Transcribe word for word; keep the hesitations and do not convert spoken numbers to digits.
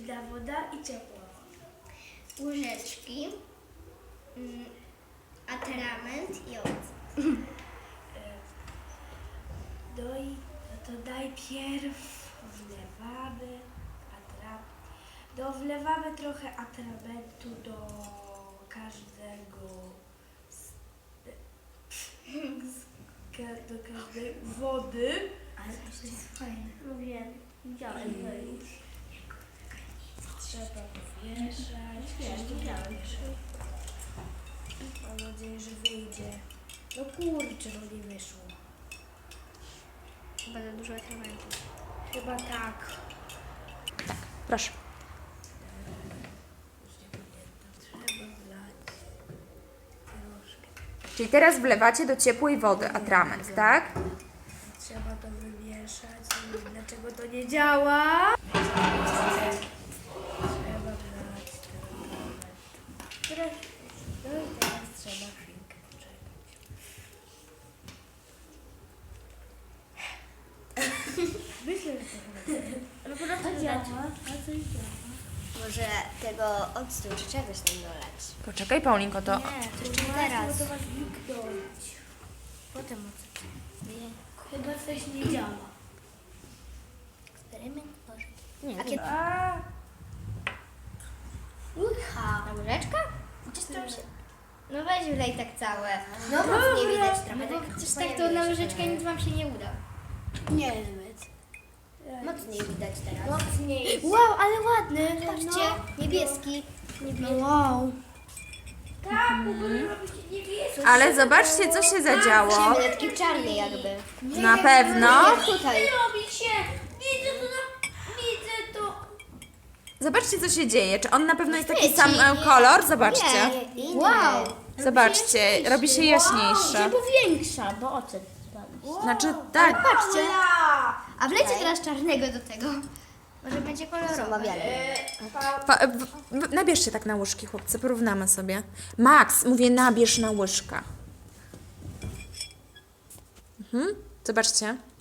zimna woda i ciepła woda. Łyżeczki, mm, atrament i owoc. Doj, no to najpierw wlewamy atrament. Do wlewamy trochę atramentu do każdego z, z, ka- do każdej wody. Ale to jest fajne. No wiem, widziałem to już. Trzeba pomieszać. Wiem, widziałem. Mam nadzieję, że wyjdzie. No kurczę, no nie wyszło. Chyba za dużo atramentu. Chyba tak. Proszę. Trzeba wlać troszkę. Czyli teraz wlewacie do ciepłej wody atrament, tak? Trzeba to wymieszać. Nie wiem, dlaczego to nie działa. Trzeba wlać atrament. Teraz, no i teraz trzeba chwilkę poczekać. Myślę, że to chyba No po prostu a działa. A coś działa. Może tego octu czy czegoś tam dolać. Poczekaj, Paulinko, to... Nie, to jeszcze Właśnie, teraz. bo to ma zniknąć. Potem ocet. Nie. Chyba coś nie działa. Eksperyment może. Nie, a kiedy... A, Ucha. Ta łyżeczka? Gdzieś tam się... No weź wlej tak całe. No mocniej widać trochę. No bo Tak, przecież tak to na łyżeczkę nic wam się nie uda. niezbyt. Mocniej widać teraz. Mocniej. Wow, ale ładny. Patrzcie, niebieski. niebieski. Wow. Tak, w ogóle robi się niebieskie. Ale zobaczcie, co się zadziało. Mamy taki czarny jakby. Na pewno. Jak tutaj. Robi się. Widzę to, na... widzę to. Zobaczcie, co się dzieje. Czy on na pewno jest taki Świeci. sam e, kolor? Zobaczcie. Nie, inny. Wow. Zobaczcie, robi się jaśniejszy. Większa, bo ocet spadł. Znaczy, tak. Patrzcie. A wlecie teraz czarnego do tego. Może będzie kolorowy. Pa, w, w, nabierzcie tak na łyżki, chłopcy, porównamy sobie. Max, mówię, nabierz na łyżka. Mhm. Zobaczcie.